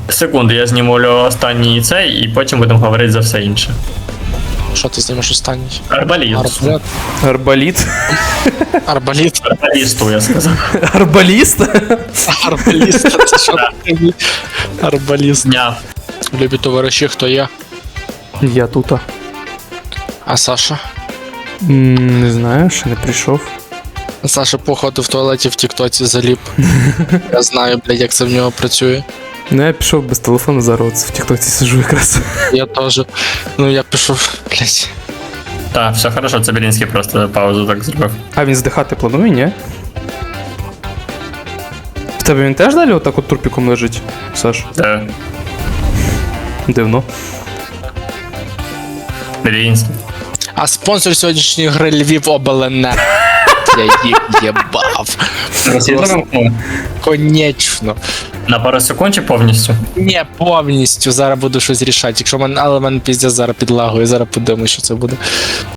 Секунду, я знімлю останній цей, і потім будемо говорити за все інше. Що ти знімеш останній? Арбаліст. Арбалет. Арбаліт? Арбаліт. Арбалісту, я сказав. Арбаліст? Арбаліст. Це що таке? Арбаліст. Дня. Любі товариші, хто є? Я тута. А Саша? Не знаю, ще не прийшов. Саша, походу, в туалеті в Тіктоці заліп. Я знаю, блядь, як це в нього працює. Ну я пішов без телефону, зараз в тіктоці сижу якраз. Я теж. Ну, я пішов, блядь. Так, все хорошо, це Белінський просто паузу так зробив. А він здихати планує, ні? В тебе він теж далі отак от трупіком лежить, Саш? Де? Дивно. Белінський. А спонсор сьогоднішньої гри Львів Обленерго. Я їх єбав. Конечно. На пару секунд чи повністю? Не повністю. Зараз буду щось рішати. Якщо але мене піздець зараз підлагує, зараз подивимось, що це буде.